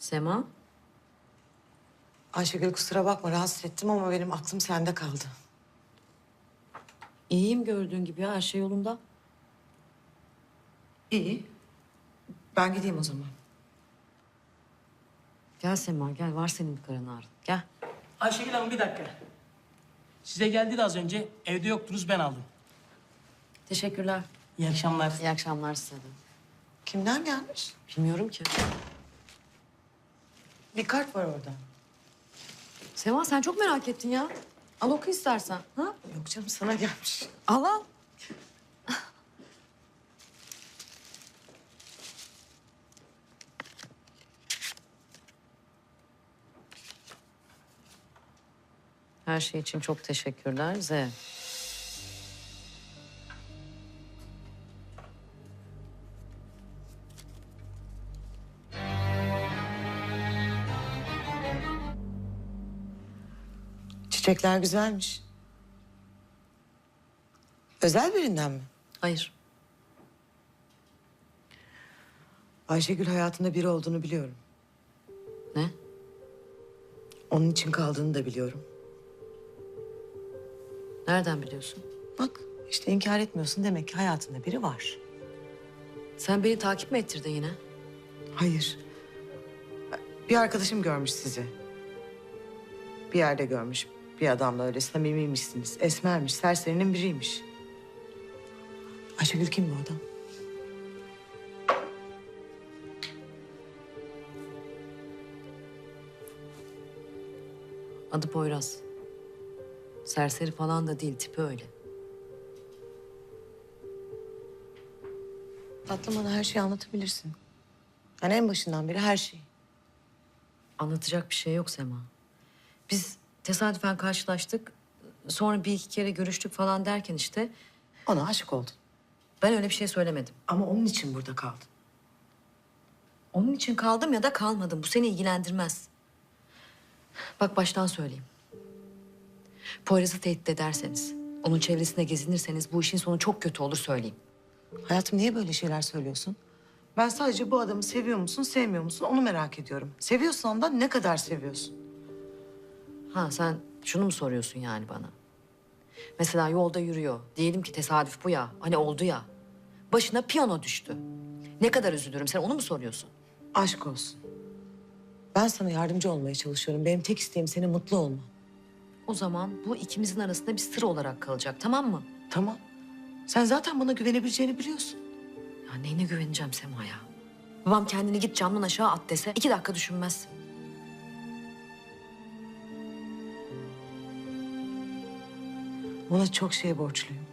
Sema, Ayşegül kusura bakma rahatsız ettim ama benim aklım sende kaldı. iyiyim gördüğün gibi ya, her şey yolunda. İyi. Ben gideyim o zaman. Gel Sema, gel. Var senin bir karın ağrın. Gel. Ayşegül Hanım bir dakika. Size geldi de az önce. Evde yoktunuz, ben aldım. Teşekkürler. İyi akşamlar. İyi akşamlar size de. Kimden gelmiş? Bilmiyorum ki. Bir kart var orada. Sema sen çok merak ettin ya. Al oku istersen. Ha? Yok canım sana gelmiş. Al al. Her şey için çok teşekkürler. Z. Çiçekler güzelmiş. Özel birinden mi? Hayır. Ayşegül hayatında biri olduğunu biliyorum. Ne? Onun için kaldığını da biliyorum. Nereden biliyorsun? Bak işte inkar etmiyorsun demek ki hayatında biri var. Sen beni takip mi ettirdin yine? Hayır. Bir arkadaşım görmüş sizi. Bir yerde görmüş. Bir adamla öyle samimiymişsiniz. Esmermiş, serserinin biriymiş. Ayşegül kim bu adam? Adı Poyraz. Serseri falan da değil, tipi öyle. Tatlım bana her şeyi anlatabilirsin. Yani en başından beri her şeyi. Anlatacak bir şey yok Sema. Biz tesadüfen karşılaştık. Sonra bir iki kere görüştük falan derken işte... Ona aşık oldun. Ben öyle bir şey söylemedim. Ama onun için burada kaldın. Onun için kaldım ya da kalmadım. Bu seni ilgilendirmez. Bak baştan söyleyeyim. Poyraz'ı tehdit ederseniz, onun çevresinde gezinirseniz bu işin sonu çok kötü olur söyleyeyim. Hayatım niye böyle şeyler söylüyorsun? Ben sadece bu adamı seviyor musun, sevmiyor musun onu merak ediyorum. Seviyorsan da ne kadar seviyorsun? Ha sen şunu mu soruyorsun yani bana? Mesela yolda yürüyor. Diyelim ki tesadüf bu ya. Hani oldu ya. Başına piyano düştü. Ne kadar üzülürüm. Sen onu mu soruyorsun? Aşk olsun. Ben sana yardımcı olmaya çalışıyorum. Benim tek isteğim senin mutlu olman. O zaman bu ikimizin arasında bir sır olarak kalacak, tamam mı? Tamam. Sen zaten bana güvenebileceğini biliyorsun. Ya neyine güveneceğim Sema'ya? Babam kendini git camdan aşağı at dese 2 dakika düşünmez. Ona çok şey borçluyum.